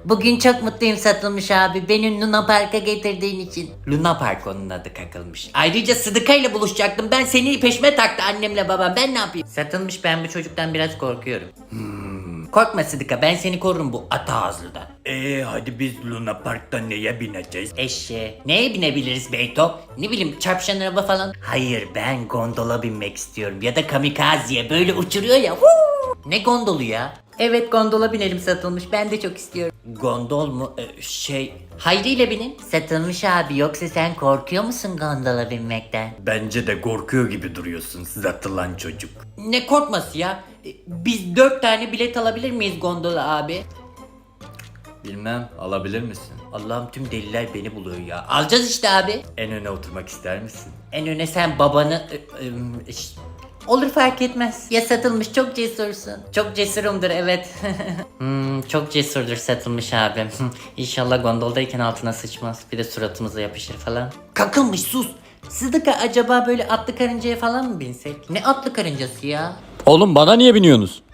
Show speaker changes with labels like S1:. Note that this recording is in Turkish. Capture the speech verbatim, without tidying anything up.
S1: Bugün çok mutluyum Satılmış abi. Beni Luna Park'a getirdiğin için. Luna Park onun adı kakılmış. Ayrıca Sıdıka ile buluşacaktım. Ben seni peşime taktı annemle babam. Ben ne yapayım? Satılmış, ben bu çocuktan biraz korkuyorum. Hmm. Korkma Sıdıka, ben seni korurum bu ata ağızlıdan.
S2: Eee hadi biz Luna Park'ta neye bineceğiz?
S1: Eşeğe. Neye binebiliriz Beyto? Ne bileyim, çarpışan araba falan. Hayır, ben gondola binmek istiyorum. Ya da kamikaziye böyle uçuruyor ya. Huu! Ne gondolu ya? Evet, gondola binelim Satılmış. Ben de çok istiyorum. Gondol mu? Ee, şey... Hayri ile binin. Satılmış abi, yoksa sen korkuyor musun gondola binmekten?
S2: Bence de korkuyor gibi duruyorsun zatılan çocuk.
S1: Ne korkması ya? Ee, Biz dört tane bilet alabilir miyiz gondola abi?
S2: Bilmem, alabilir misin?
S1: Allah'ım, tüm deliler beni buluyor ya. Alacağız işte abi.
S2: En öne oturmak ister misin?
S1: En öne sen babanı... ı- ım, iş- Olur, fark etmez. Ya Satılmış, çok cesursun. Çok cesurumdur, evet. hmm, çok cesurdur Satılmış abim. İnşallah gondoldayken altına sıçmaz. Bir de suratımıza yapışır falan. Kakılmış, sus. Sıdıka, acaba böyle atlı karıncaya falan mı binsek? Ne atlı karıncası ya?
S2: Oğlum bana niye biniyorsunuz?